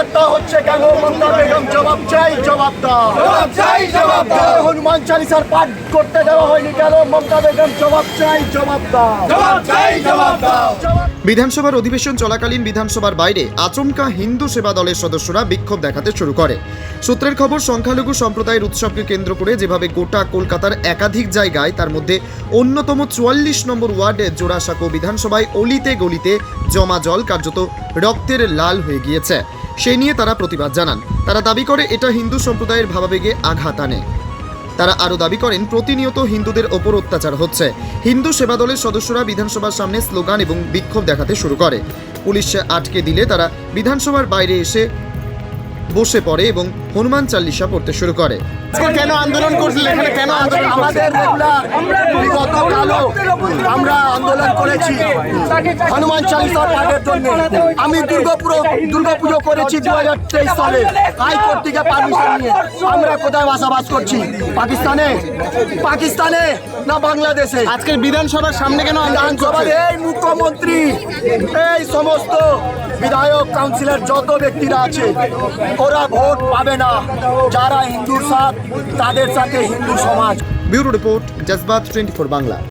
বার্তা হচ্ছে কেন মমতা বেগম জবাব চাই, জবাব দাও। হনুমান চালিসার পাঠ করতে দেওয়া হয়নি কেন মমতা বেগম জবাব চাই, জবাব দাও। বিধানসভার অধিবেশন চলাকালীন বিধানসভার বাইরে আচমকা হিন্দু সেবা দলের সদস্যরা বিক্ষোভ দেখাতে শুরু করে। সূত্রের খবর, সংখ্যালঘু সম্প্রদায়ের উৎসবকে কেন্দ্র করে যেভাবে গোটা কলকাতার একাধিক জায়গায়, তার মধ্যে অন্যতম 44 নম্বর ওয়ার্ডে জোড়াসাঁকো বিধানসভায় অলিতে গলিতে জমা জল কার্যত রক্তের লাল হয়ে গিয়েছে, সে নিয়ে তারা প্রতিবাদ জানান। তারা দাবি করে এটা হিন্দু সম্প্রদায়ের ভাবাবেগে আঘাত আনে। তারা আরও দাবি করেন প্রতিনিয়ত হিন্দুদের ওপর অত্যাচার হচ্ছে। হিন্দু সেবা দলের সদস্যরা বিধানসভার সামনে স্লোগান এবং বিক্ষোভ দেখাতে শুরু করে। পুলিশ আটকে দিলে তারা বিধানসভার বাইরে এসে বসে পড়ে এবং হনুমান চালিসা পড়তে শুরু করে। কেন আন্দোলন করছিলেন এখানে? কেন আন্দোলন? আমাদের রেগুলার বিগত কালো আমরা আন্দোলন করেছি হনুমান চালিসার পাঠের জন্য। আমি দুর্গাপুজো করেছি 2023 সালে হাইকোর্ট থেকে পারমিশন নিয়ে। আমরা কোথায় বসবাস করছি? পাকিস্তানে না বাংলাদেশে? আজকের বিধানসভার সামনে কেন বিধানসভার এই মুখ্যমন্ত্রী, এই সমস্ত বিধায়ক কাউন্সিলর যত ব্যক্তিরা আছে ওরা ভোট পাবে না। যারা হিন্দুর সাথ তাদের সাথে হিন্দু সমাজ। Bureau report, Jazbaat 24 Bangla.